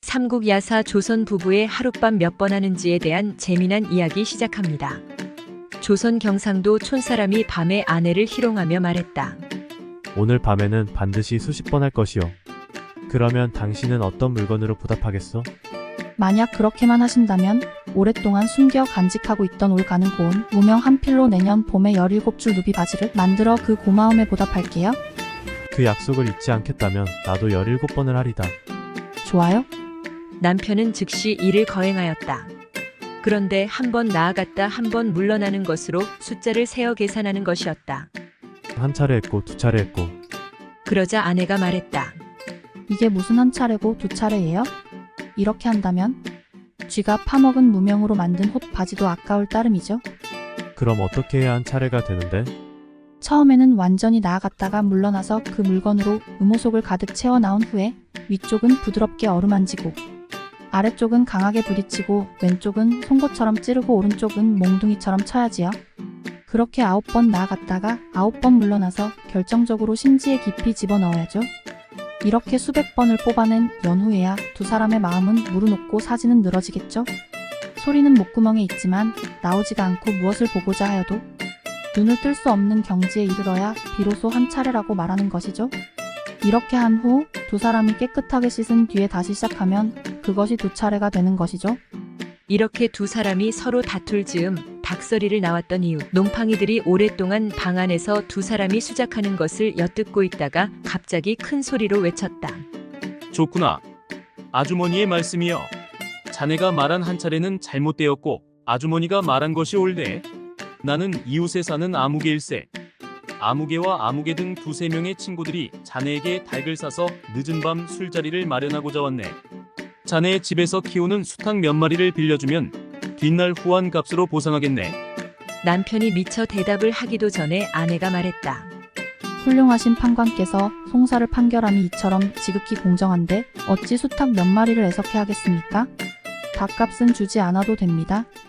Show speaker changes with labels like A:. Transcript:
A: 삼국 야사 조선 부부의 하룻밤 몇 번 하는지에 대한 재미난 이야기 시작합니다. 조선 경상도 촌사람이 밤에 아내를 희롱하며 말했다.
B: 오늘 밤에는 반드시 수십 번 할 것이요. 그러면 당신은 어떤 물건으로 보답하겠소?
C: 만약 그렇게만 하신다면 오랫동안 숨겨 간직하고 있던 올 가는 고운 무명 한 필로 내년 봄에 17줄 누비 바지를 만들어 그 고마움에 보답할게요.
B: 그 약속을 잊지 않겠다면 나도 17번을 하리다.
C: 좋아요?
A: 남편은 즉시 이를 거행하였다. 그런데 한 번 나아갔다 한 번 물러나는 것으로 숫자를 세어 계산하는 것이었다.
B: 한 차례 했고 두 차례 했고.
A: 그러자 아내가 말했다.
C: 이게 무슨 한 차례고 두 차례예요? 이렇게 한다면 쥐가 파먹은 무명으로 만든 옷 바지도 아까울 따름이죠.
B: 그럼 어떻게 해야 한 차례가 되는데?
C: 처음에는 완전히 나아갔다가 물러나서 그 물건으로 음호속을 가득 채워 나온 후에 위쪽은 부드럽게 어루만지고 아래쪽은 강하게 부딪히고 왼쪽은 송곳처럼 찌르고 오른쪽은 몽둥이처럼 쳐야지요. 그렇게 9번 나아갔다가 9번 물러나서 결정적으로 심지에 깊이 집어넣어야죠. 이렇게 수백 번을 뽑아낸 연후에야 두 사람의 마음은 무르녹고 사지는 늘어지겠죠. 소리는 목구멍에 있지만 나오지가 않고 무엇을 보고자 하여도 눈을 뜰 수 없는 경지에 이르러야 비로소 한 차례라고 말하는 것이죠. 이렇게 한 후 두 사람이 깨끗하게 씻은 뒤에 다시 시작하면 그것이 두 차례가 되는 것이죠.
A: 이렇게 두 사람이 서로 다툴 즈음 닭서리를 나왔던 이후 놈팡이들이 오랫동안 방 안에서 두 사람이 수작하는 것을 엿듣고 있다가 갑자기 큰 소리로 외쳤다.
D: 좋구나. 아주머니의 말씀이여. 자네가 말한 한 차례는 잘못되었고 아주머니가 말한 것이 옳네. 나는 이웃에 사는 아무개일세. 아무개와 아무개 등 두세 명의 친구들이 자네에게 닭을 사서 늦은 밤 술자리를 마련하고자 왔네. 자네의 집에서 키우는 수탉 몇 마리를 빌려주면 뒷날 후한 값으로 보상하겠네.
A: 남편이 미처 대답을 하기도 전에 아내가 말했다.
C: 훌륭하신 판관께서 송사를 판결함이 이처럼 지극히 공정한데 어찌 수탉 몇 마리를 애석해 하겠습니까? 닭값은 주지 않아도 됩니다.